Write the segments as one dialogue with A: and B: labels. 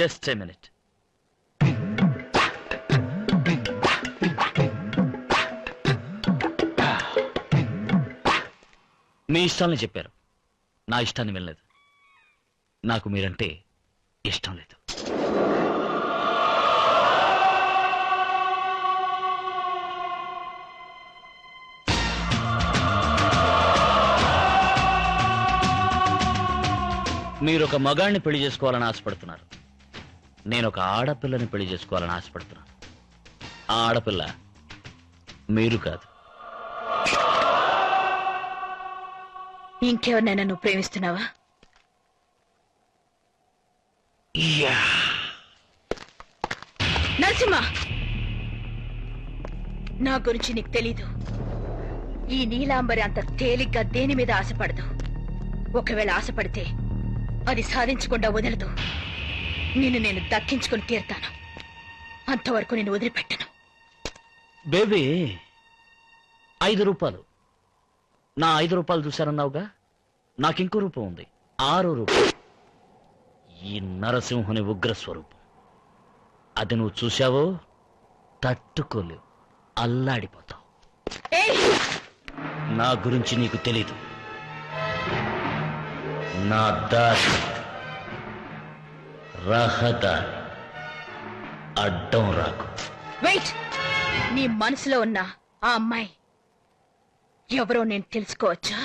A: Just a minute. మీ ఇష్టాలని చెప్పారు, నా ఇష్టాన్ని వెళ్ళలేదు. నాకు మీరంటే ఇష్టం లేదు. మీరు ఒక మగాడిని పెళ్లి చేసుకోవాలని ఆశపడుతున్నారు, నేను ఒక ఆడపిల్లని పెళ్లి చేసుకోవాలని ఆశపడుతున్నాను. ఆ ఆడపిల్ల మీరు కాదు.
B: ఇంకెవరినైనా నువ్వు ప్రేమిస్తున్నావా? నరసింహ, నా గురించి నీకు తెలీదు. ఈ నీలాంబరి అంత తేలిగ్గా దేని మీద ఆశపడదు. ఒకవేళ ఆశపడితే అది సాధించకుండా వదలదు. నిన్ను నేను దక్కించుకుని తీరుతాను. అంతవరకు నేను వదిలిపెట్టను.
A: బేబీ, 5 రూపాయలు. నా 5 రూపాయలు చూశారన్నావుగా, నాకింకో రూపం ఉంది, 6 రూపాయలు. ఈ నరసింహుని ఉగ్రస్వరూపం. అది నువ్వు చూశావో తట్టుకోలేవు, అల్లాడిపోతావు. నా గురించి నీకు తెలీదు. నా దారి రహదారి, అడ్డం రాకు.
B: వెయిట్, నీ మనసులో ఉన్న ఆ అమ్మాయి ఎవరో నేను తెలుసుకోవచ్చా?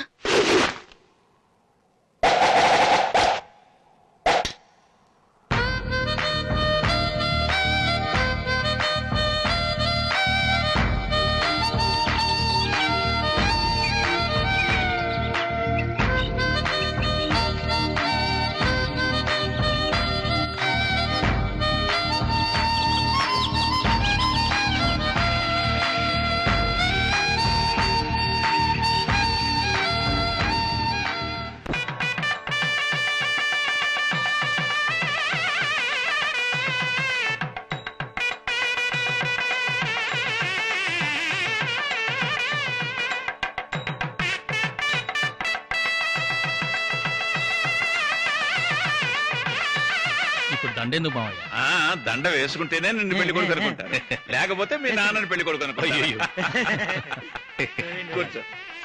A: దండెందుకు మావయ్య?
C: దండ వేసుకుంటేనే నిన్ను పెళ్లి కొడుకు అనుకుంటారు, లేకపోతే మీ నాన్నని పెళ్లి కొడుకు అనుకుంటారు. కూర్చో.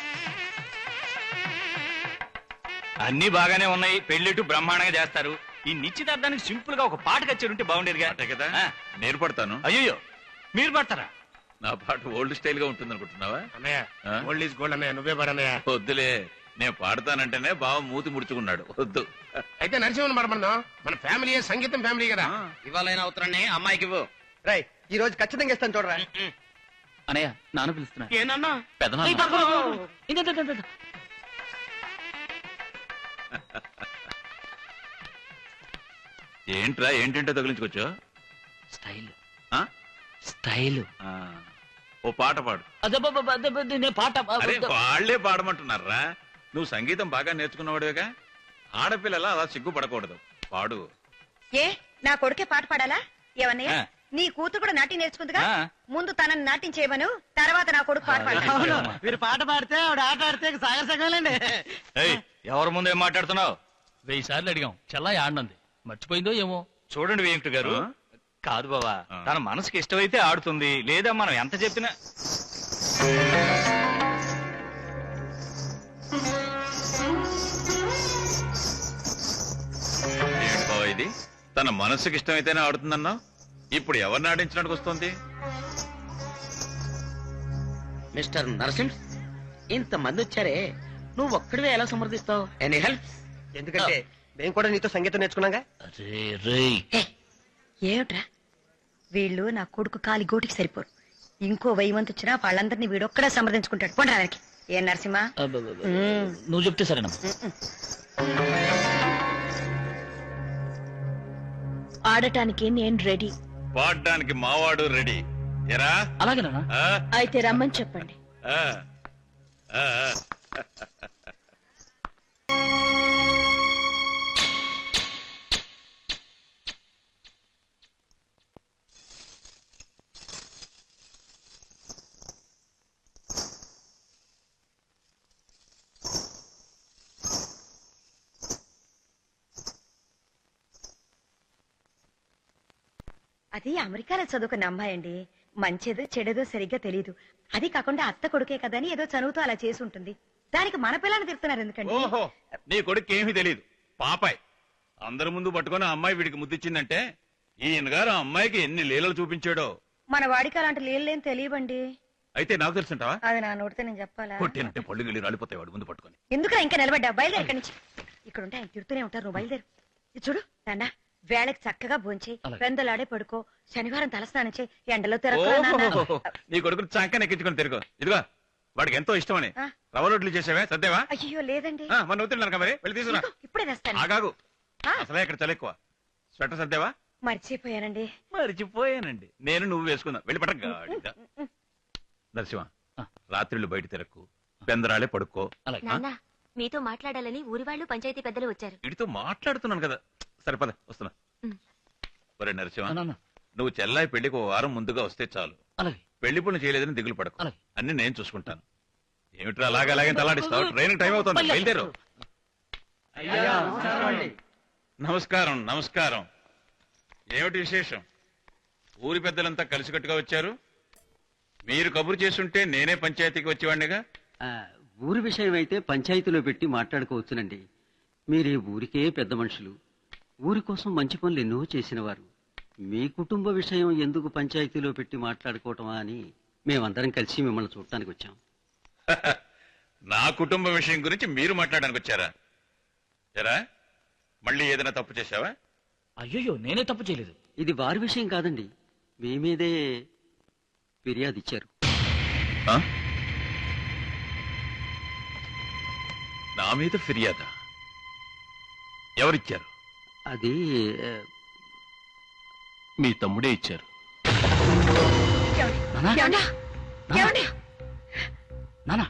D: అన్ని బాగానే ఉన్నాయి, పెళ్లిట్టు బ్రహ్మాండంగా చేస్తారు. ఈ నిశ్చితార్థానికి సింపుల్ గా ఒక పాట కచ్చేరుంటే బాగుండేదిగా.
C: కదా, నేను పడతాను.
D: అయ్యో, మీరు పడతారా?
C: నా పాట ఓల్డ్ స్టైల్ గా ఉంటుంది అనుకుంటున్నావా?
E: ఓల్డ్ ఈజ్ గోల్డ్ అన్నయ్య, నువ్వే పడన్నయ్య.
C: వద్దులే, నేను పాడతానంటేనే బావ మూతి ముడుచుకున్నాడు. వద్దు.
E: అయితే నరసింహన్ పడమన్నాం. మన ఫ్యామిలీ సంగీతం ఫ్యామిలీ కదా.
D: ఇవాళైనా అవుతారని అమ్మాయికి ఇవ్వు.
F: రై, ఈ రోజు ఖచ్చితంగా ఇస్తాను చూడరా.
A: అనయ్య, నాన్న పిలుస్తున్నా.
D: ఏనన్నా?
C: ఏంట్రా, ఏంటంటే తగిలించుకోవచ్చు?
A: Style style.
C: ఓ పాట పాడు.
A: నేను పాట
C: అరే, వాళ్లే పాడమంటున్నారా? నువ్వు సంగీతం బాగా నేర్చుకున్నవాడుగా, ఆడపిల్లలా అలా సిగ్గుపడకూడదు. పాడు.
G: ఏ, నా కొడుకే పాట పాడాలా? ఏమన్నయ్య, నీ కూతురు కూడా నాట్యం నేర్చుకుందిగా. ముందు తనని నాట్యం చేయమను, తర్వాత నా కొడుకు పాట పాడాలి.
F: మీరు పాట పాడితే ఆవిడ ఆట ఆడితే సాగర సగలండి.
D: ఎవరి ముందు ఏం మాట్లాడుతున్నావు?
A: 1000 సార్లు అడిగాం, చల్లా ఆడినంది, మర్చిపోయిందో ఏమో.
D: చూడండి వెంకట గారు, కాదు బావా, తన మనసుకి ఇష్టమైతే ఆడుతుంది, లేదా మనం ఎంత చెప్పినా.
C: ఏంటి బావ ఇది? తన మనసుకి ఇష్టమైతేనే ఆడుతుందన్నా, ఇప్పుడు ఎవరిని ఆడించడానికి వస్తుంది?
F: మిస్టర్ నరసింహ్, ఇంత మంది వచ్చారే, నువ్వు ఒక్కడివే ఎలా సమర్థిస్తావు? Any help? ఎందుకంటే మేము కూడా నీతో సంగీతం నేర్చుకున్నాగా.
G: ఏమిట్రా, వీళ్ళు నా కొడుకు కాలి గోటికి సరిపోరు. ఇంకో 1000 మంది వచ్చినా వాళ్ళందరినీ వీడొక్కడే సమర్థించుకుంటాడు. పోండి రానికి. ఏ నరసింహ,
A: నువ్వు చెప్తే సరేనా?
B: ఆడటానికి నేను రెడీ,
C: పాడడానికి మావాడు రెడీ. ఎరా?
A: అలాగేనా?
B: అయితే రమ్మని చెప్పండి.
G: అది అమెరికాలో చదువుకున్న అమ్మాయి అండి. మంచిదో చెడేదో సరిగ్గా తెలియదు. అది కాకుండా అత్త కొడుకే కదని ఏదో చదువుతూ అలా చేసి ఉంటుంది. దానికి మన పిల్లని తిడుతున్నారు ఎందుకండి?
C: ఓహో, నీ కొడుకు ఏమీ తెలియదు, పాపాయ్. అందరి ముందు పట్టుకొని ఆ అమ్మాయి వీడికి ముద్దిచ్చిందంటే ఈయన గారు ఆ అమ్మాయికి ఎన్ని లీలలు చూపించాడో.
G: మన వాడికి అలాంటి లేని తెలియబండి.
C: అయితే నాకు తెలుసుంటావా?
G: అది నా నోటితో నేను చెప్పాలా?
C: కొట్టేనంటే పళ్ళు గిళ్ళు రాలిపోతాయి వాడు ముందు పట్టుకొని.
G: ఎందుకురా ఇంకా నిలబడ్డా? బయలుదేరు ఇక్కడి నుంచి. ఇక్కడ ఉంటే ఆయన తిడుతూనే ఉంటారు, నువ్వు బయలుదేరు. ఇది చూడు నాన్న, వేళకి చక్కగా భోంచి
A: అలాగే.
G: పెందలాడే పడుకో. శనివారం తలస్నానం చేయి, ఎండలో తిరగ.
C: ఓహో, నీ కొడుకుని చంకని ఎక్కించుకొని తిరుగు. ఇదిగో వాడికి ఎంతో ఇష్టమని
G: ఆ.
C: రవ్వ రొట్లు చేసావే, సర్దేవా?
G: అయ్యో లేదండి,
C: మన నవ్వుతున్నాను మరి, వెళ్ళి తీసుకురా.
G: ఇదిగో, ఇప్పుడే తెస్తాను.
C: ఆగాగు,
G: ఆ.
C: అసలే ఇక్కడ చలి ఎక్కువ. స్వెటర్ సర్దేవా?
G: మర్చిపోయానండి.
C: మరిచిపోయానండి. నేను నువ్వు వేసుకుందా, వెళ్ళి పట్ట గాడిద. నరసింహ, రాత్రిళ్ళు బయట తిరక్కు, బెందరాలే పడుకో.
A: అలాగే.
H: నాన్న మీతో మాట్లాడాలని ఊరి వాళ్ళు పంచాయతీ పెద్దలు వచ్చారు.
C: వీడితో మాట్లాడుతున్నాను కదా, సరిపద వస్తున్నా.
H: ఉమ్.
C: ఒరే నరసింహ,
A: నాన్న,
C: నువ్వు చెల్లాయి పెళ్లికి ఓ వారం ముందుగా వస్తే చాలు.
A: అలాగే.
C: పెళ్లి పనులు చేయలేదని దిగులు పడకు,
A: అలాగే.
C: అన్ని నేను చూసుకుంటాను. ఏమిట్రా అలాగే తలాడిస్తావు? ట్రైన్ టైం అవుతుంది, బయలుదేరు. నమస్కారం నమస్కారం. ఏమిటి విశేషం? ఊరి పెద్దలంతా కలిసికట్టుగా వచ్చారు. మీరు కబురు చేస్తుంటే నేనే పంచాయతీకి వచ్చేవాడినిగా.
I: ఊరి విషయం అయితే పంచాయతీలో పెట్టి మాట్లాడుకోవచ్చునండి. మీరే ఊరికే పెద్ద మనుషులు, ఊరి కోసం మంచి పనులు ఎన్నో చేసిన వారు. మీ కుటుంబ విషయం ఎందుకు పంచాయతీలో పెట్టి మాట్లాడుకోవటమా అని మేమందరం కలిసి మిమ్మల్ని చూడటానికి వచ్చాం.
C: నా కుటుంబ విషయం గురించి మీరు మాట్లాడడానికి వచ్చారా? ఎరా, మళ్ళీ ఏదైనా తప్పు చేశావా?
A: అయ్యో, నేనే తప్పు చేయలేదు.
I: ఇది వారి విషయం కాదండి, మీ మీదే ఫిర్యాదు ఇచ్చారు.
C: ఆ? నా మీద ఫిర్యాదా? ఎవరిచ్చారు?
I: అది
C: మీ తమ్ముడే ఇచ్చారు.
A: నానా,
G: ఏమండి? ఏమండి?
A: నానా,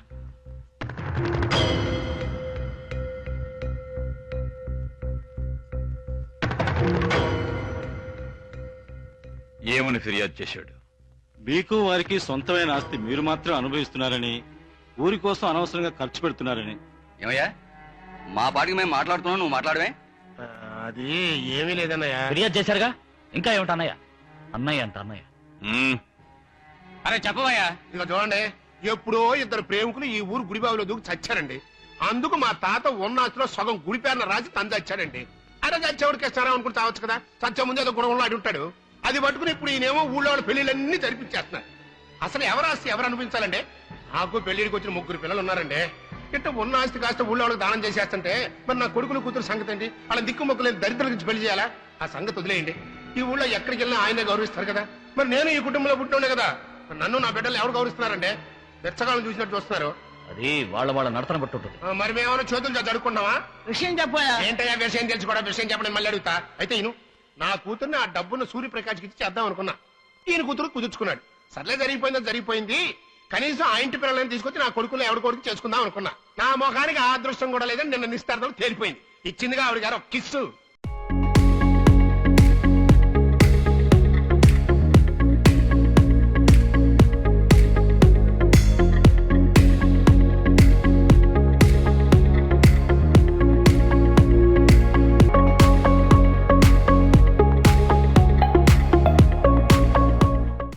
C: ఏమని ఫిర్యాదు చేశాడు?
J: మీకు వారికి సొంతమైన ఆస్తి మీరు మాత్రం అనుభవిస్తున్నారని, ఊరి కోసం అనవసరంగా ఖర్చు పెడుతున్నారని.
F: ఏమయ్యా, మా పాటికి మేము మాట్లాడుతున్నాం, నువ్వు మాట్లాడమే.
E: అది ఏమీ లేదన్నయ్య.
A: ఫిర్యాదు చేశారుగా, ఇంకా ఏమిటి అన్నయ్య? అన్నయ్య అంట అన్నయ్య.
D: అరే చెప్పవయ్యా.
E: ఇక చూడండి, ఎప్పుడో ఇద్దరు ప్రేమికులు ఈ ఊరు గుడిబావిలో దూకి చచ్చారండి. అందుకు మా తాత ఉన్నాస్తిలో సగం గుడి పేరున రాసి తను చచ్చాడండి. అరే చచ్చేవాడికి ఇస్తారా అనుకుని చావచ్చు కదా, చచ్చే ముందు ఏదో గుణంలో ఆడి ఉంటాడు. అది పట్టుకుని ఇప్పుడు ఈయనేమో ఊళ్ళో వాళ్ళ పెళ్లిళ్ళన్నీ జరిపించేస్తున్నారు. అసలు ఎవరు ఆస్తి ఎవరు అనిపించాలండి? నాకు పెళ్లికి వచ్చిన 3 పిల్లలు ఉన్నారండి. ఇట్ట ఉన్న ఆస్తి కాస్త ఊళ్ళో వాళ్ళకి దానం చేసేస్తుంటే మరి నా కొడుకులు కూతురు సంగతి ఏంటి? వాళ్ళ దిక్కు మొక్కలేని దరిద్రుల నుంచి పెళ్లి చేయాలా? ఆ సంగతి వదిలేయండి. ఈ ఊళ్ళో ఎక్కడికి వెళ్ళినా ఆయనే గౌరవిస్తారు కదా. మరి నేను ఈ కుటుంబంలో పుట్టినే కదా, మరి నన్ను నా బిడ్డలు ఎవరు గౌరవిస్తున్నారండి? బెచ్చగాళ్ళని చూసినట్టు చూస్తున్నారు.
A: అది వాళ్ళ నడతన బట్టి ఉంటుంది.
E: మరి మేమేమైనా చేతులు జరుపుకుంటామా?
F: విషయం చెప్పాయా?
E: ఏంటయ్యా విషయం తెలుసుకోవడం? విషయం చెప్పడం మళ్ళీ అడుగుతా. అయితే ఈయన నా కూతుర్ని ఆ డబ్బును సూర్యప్రకాష్కి ఇచ్చి చేద్దాం అనుకున్నా. ఈయన కూతురు కుదుర్చుకున్నాడు. సర్లే, జరిగిపోయింది. కనీసం ఆ ఇంటి పిల్లలని తీసుకొచ్చి నా కొడుకులు ఎవరి కొడుకు చేసుకుందాం అనుకున్నా. నా మొఖానికి ఆ అదృష్టం కూడా లేదని నిన్న నిస్తార్థం తేలిపోయింది. ఇచ్చిందిగా ఆవిడ గారు ఒక కిస్సు.